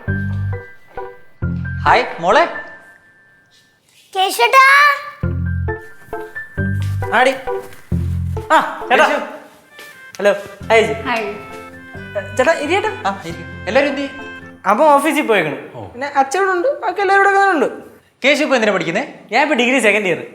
Hi മോളെ. കേശുട്ടാ ആടി. ആ ചേട്ടാ. ഹലോ. ഹായ് ചേട്ടാ. ഇരിയേട്ടാ. എല്ലാരും എന്ത്? അപ്പം ഓഫീസിൽ പോയേക്കണം. പിന്നെ അച്ഛനോടുണ്ട്, ബാക്കി എല്ലാവരും കൂടെ ഉണ്ട്. കേശു ഇപ്പൊ എന്തിനാ പഠിക്കുന്നേ? ഞാൻ ഇപ്പൊ ഡിഗ്രി സെക്കൻഡ് ഇയർ.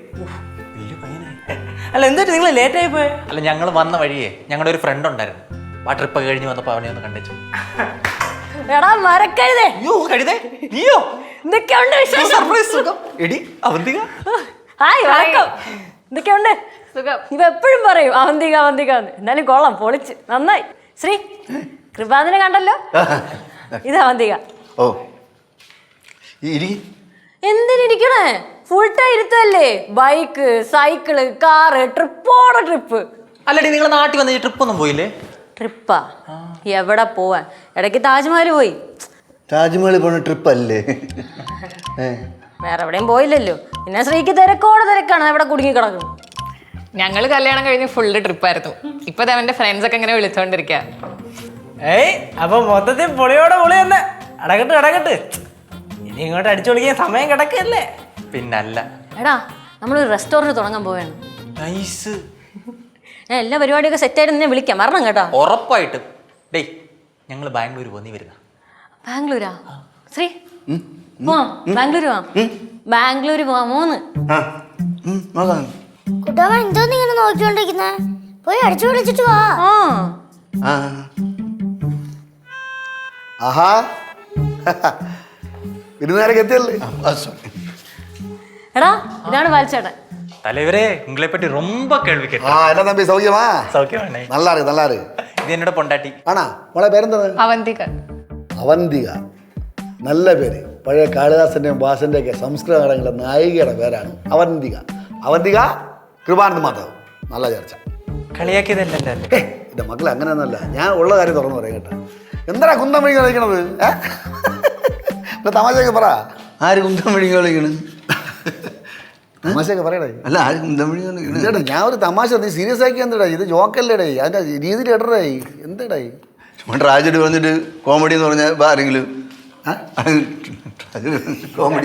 അല്ല എന്തായിട്ട് നിങ്ങൾ ലേറ്റ് ആയി പോയെ? അല്ല ഞങ്ങൾ വന്ന വഴിയേ ഞങ്ങളുടെ ഒരു ഫ്രണ്ട് ഉണ്ടായിരുന്നു. ആ ട്രിപ്പ് കഴിഞ്ഞ് വന്നപ്പോ അവനെ ഒന്ന് കണ്ടു. എടാ മരക്കഴുതേ. അയ്യോ കഴുതേ, നീയോ? എന്തൊക്കെയുണ്ട് വിശേഷം? സർപ്രൈസ് സുഖം. എടി അവന്തിക. ഹായ് വണക്കം. എന്തൊക്കെയുണ്ട്? സുഖം. ഇവ എപ്പോഴും പറയും അവന്തിക അവന്തിക എന്ന്. എന്നാലും കൊള്ളാം, പൊളിച്ച് നന്നായി. ശ്രീ കൃപാദിനെ കണ്ടല്ലോ. ഇത് അവന്തിക. ഓ എന്തിനിരിക്കണേ? ഫുൾ ടൈം ഇരുത്തല്ലേ. ബൈക്ക്, സൈക്കിള്, കാറ്, ട്രിപ്പോടെ ട്രിപ്പ്. അല്ലടി നിങ്ങൾ നാട്ടിൽ വന്ന ട്രിപ്പ് ഒന്നും പോയില്ലേ? ട്രിപ്പാ? എവിടെ പോവാൻ? ഇടയ്ക്ക് താജ്മഹൽ പോയി. താജ്മഹൽ പോണ ട്രിപ്പ് അല്ലേ? വേറെ എവിടെയും പോയില്ലല്ലോ. പിന്നെ ശ്രീക്ക് തിരക്കോടെ തിരക്കാണ്, എവിടെ കുടുങ്ങി കിടക്കും. ഞങ്ങള് കല്യാണം കഴിഞ്ഞ് ഫുള്ള് ട്രിപ്പായിരുന്നു. ഇപ്പൊ അവന്റെ ഫ്രണ്ട്സ് ഒക്കെ ഇങ്ങനെ വിളിച്ചോണ്ടിരിക്ക. ഏയ് അപ്പൊ മൊത്തത്തിൽ പൊളിയോടെ പൊളി തന്നെ. അടകട്ട്. ഇനി ഇങ്ങോട്ട് അടിച്ചു പൊളിക്കാൻ സമയം കിടക്കല്ലേ? പിന്നല്ല. എടാ നമ്മളൊരു റെസ്റ്റോറൻറ്റ് തുടങ്ങാൻ പോവാണ്. നൈസ്. ഞാൻ എല്ലാ പരിപാടിയൊക്കെ സെറ്റായിട്ട് നിന്നെ വിളിക്കാം, വരണം കേട്ടോ. ഉറപ്പായിട്ടും. ഡേയ് ഞങ്ങൾ ബാംഗ്ലൂർ പോന്നി വരുന്ന. ബാംഗ്ലൂരാ? ശ്രീ പോവാം, ബാംഗ്ലൂർ പോവാം. ബാംഗ്ലൂർ പോവാമോന്ന്? കുട്ടാവൻ എന്തോന്ന് ഇങ്ങനെ നോക്കിക്കൊണ്ടിരിക്കുന്നേ? പോയി അടിച്ചു വിളിച്ചിട്ട് വാ. ആഹാ ഇരുന്നേരൊക്കെ എത്തിയല്ലേ? എടാ ഇതാണ് ബാലിച്ചേട്ടൻ. തലവരെ ഉങ്ങളെ പറ്റി ரொம்ப കേൾവി കേട്ടു. എന്നാ തമ്പി സൗഖ്യമാ? സൗഖ്യമാണേ. നല്ലാറ്. ഇത് എന്നോട് പൊണ്ടാട്ടി. ആണാ മോളെ പേരെന്താണ്? അവന്തിക. അവന്തിക, നല്ല പേര്. പഴയ കാളിദാസന്റെയും ഭാഷന്റെ ഒക്കെ സംസ്കൃത നാടകങ്ങളുടെ നായികയുടെ പേരാണ് അവന്തിക. അവന്തിക കൃപാനന്ദ മാധവ്. നല്ല ചർച്ച. കളിയാക്കിയതല്ലേ? എന്റെ മക്കളെ അങ്ങനെയൊന്നുമല്ല, ഞാൻ ഉള്ള കാര്യം തുറന്നു പറയാം കേട്ടോ. എന്താ കുന്തം വഴി കളിക്കണത്? തമാശയൊക്കെ പറ. ആര് കുന്തം വഴി കളിക്കണ്? തമാശയൊക്കെ പറയടേ. അല്ല ആര് കുന്തം വഴി കളിക്കണ? ഞാൻ ഒരു തമാശ, നീ സീരിയസ് ആക്കി എന്താ? ഇത് ജോക്കല്ലേടേ, അതിന്റെ രീതിയിൽ ഇടറേ. എന്താടേ ട്രാജഡി പറഞ്ഞിട്ട് കോമഡി എന്ന് പറഞ്ഞാൽ ആരെങ്കിലും കോമഡി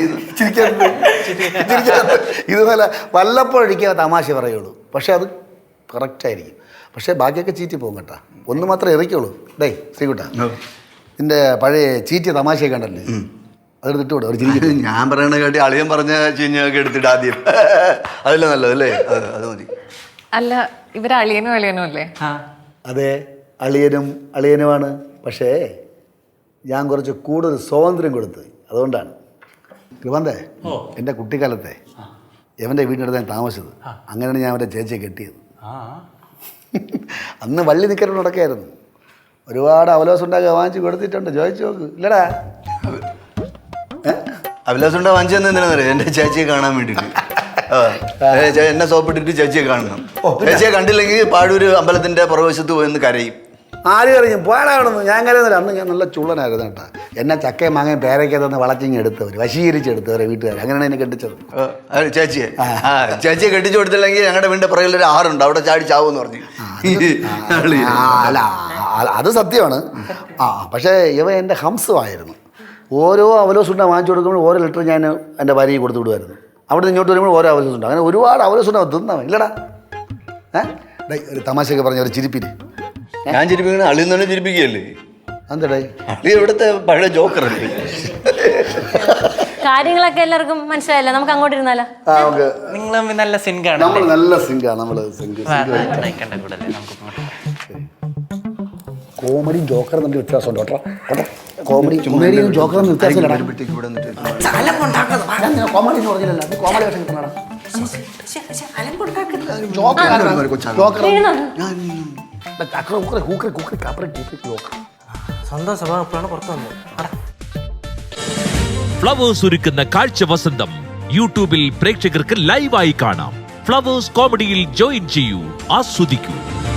ഇതുപോലെ വല്ലപ്പോഴൊരിക്കൽ തമാശ പറയുള്ളൂ. പക്ഷെ അത് കറക്റ്റായിരിക്കും. പക്ഷേ ബാക്കിയൊക്കെ ചീറ്റി പോകും കേട്ടാ. ഒന്ന് മാത്രമേ എറിക്കുള്ളൂ. ഡേ ശ്രീകുട്ടാ, നിന്റെ പഴയ ചീറ്റിയ തമാശയൊക്കെ ഉണ്ടല്ലേ, അതെടുത്തിട്ട് വിടും. ഒരു ചിരി. ഞാൻ പറയണ കേട്ടി അളിയൻ പറഞ്ഞ ചീഞ്ഞൊക്കെ എടുത്തിട്ട് ആദ്യം അതല്ലേ നല്ലതല്ലേ? അത് മതി. അല്ല ഇവര് അളിയനും അല്ലേ? അതെ, അളിയനുമാണ്. പക്ഷേ ഞാൻ കുറച്ച് കൂടുതൽ സ്വാതന്ത്ര്യം കൊടുത്ത്, അതുകൊണ്ടാണ്. കൃപാന്തേ, എൻ്റെ കുട്ടിക്കാലത്തെ എവൻ്റെ വീട്ടിനടുത്ത് ഞാൻ താമസിച്ചത്. അങ്ങനെയാണ് ഞാൻ അവൻ്റെ ചേച്ചിയെ കെട്ടിയത്. അന്ന് വള്ളി നിൽക്കലും നടക്കായിരുന്നു. ഒരുപാട് അവലോസം ഉണ്ടാക്കി വാങ്ങിച്ച് കൊടുത്തിട്ടുണ്ട്. ചോദിച്ചു നോക്ക്. ഇല്ലടാ അവലോസം ഉണ്ടാ വാങ്ങിച്ചു തന്നെന്തിനാണെന്നറിയാം? എൻ്റെ ചേച്ചിയെ കാണാൻ വേണ്ടിയിട്ട്. എന്നെ സോപ്പിട്ടിട്ട് ചേച്ചിയെ കാണണം. ചേച്ചിയെ കണ്ടില്ലെങ്കിൽ പാഴൂര് അമ്പലത്തിൻ്റെ പുറവശത്ത് പോയെന്ന് കരയും. ആര് കരയും? പോയാളാണെന്ന്. ഞാൻ കരയുന്നില്ല. അന്ന് ഞാൻ നല്ല ചുള്ളനായിരുന്നു കേട്ടാ. എന്നെ ചക്കയും മാങ്ങയും പേരയ്ക്കകത്ത് വളച്ചിങ്ങ് എടുത്തവർ, വശീകരിച്ചെടുത്തവരെ വീട്ടുകാർ. അങ്ങനെയാണ് എന്നെ കെട്ടിച്ചത്. ചേച്ചിയെ കെട്ടിച്ചു കൊടുത്തില്ലെങ്കിൽ ഞങ്ങളുടെ വീടിൻ്റെ പുറകിലൊരു ആറുണ്ട്, അവിടെ ചാടി ചാവെന്ന് പറഞ്ഞു. അല്ല അത് സത്യമാണ്. പക്ഷേ ഇവ എൻ്റെ ഹംസമായിരുന്നു. ഓരോ അവലോസുണ്ട വാങ്ങിച്ചു കൊടുക്കുമ്പോൾ ഓരോ ലിറ്റർ ഞാൻ എൻ്റെ ഭാര്യയെ കൊടുത്തു വിടുമായിരുന്നു. അവിടെ നിന്ന് ഇങ്ങോട്ട് വരുമ്പോൾ ഓരോ അവലോസുണ്ട. അങ്ങനെ ഒരുപാട് അവലോസുണ്ട തിന്നാ ഇല്ലടാ. ഒരു തമാശയൊക്കെ പറഞ്ഞ ഒരു ചിരിപ്പിന് ഞാൻ ചിരിപ്പിക്കണ അളിയിൽ തന്നെ ചിരിപ്പിക്കുകയല്ലേ? എന്താടേ അളി ഇവിടുത്തെ പഴയ ജോക്കറല്ലേ? കാര്യങ്ങളൊക്കെ എല്ലാവർക്കും മനസ്സിലായല്ലോ. നമുക്ക് അങ്ങോട്ട് ഇരുന്നാലോ? നിങ്ങൾ നല്ല സിങ്കാണ്. നമ്മൾ നല്ല സിങ്കാണ്. നമ്മൾ കോമഡിയും ജോക്കറും തമ്മിൽ വ്യത്യാസമുണ്ട് കേട്ടോ. കോമഡിയും ജോക്കറും വ്യത്യാസമില്ല. കോമഡി എന്ന് പറഞ്ഞില്ലല്ലോ, അത് കോമഡി വേഷം കിട്ടണം. സ്വന്തം സ്വഭാവം എപ്പോഴാണ് പുറത്തു വന്നത്? ഫ്ലവേഴ്സ് ഒരുക്കുന്ന കാഴ്ച വസന്തം യൂട്യൂബിൽ പ്രേക്ഷകർക്ക് ലൈവായി കാണാം. ഫ്ലവേഴ്സ് കോമഡിയിൽ ജോയിൻ ചെയ്യൂ, ആസ്വദിക്കൂ.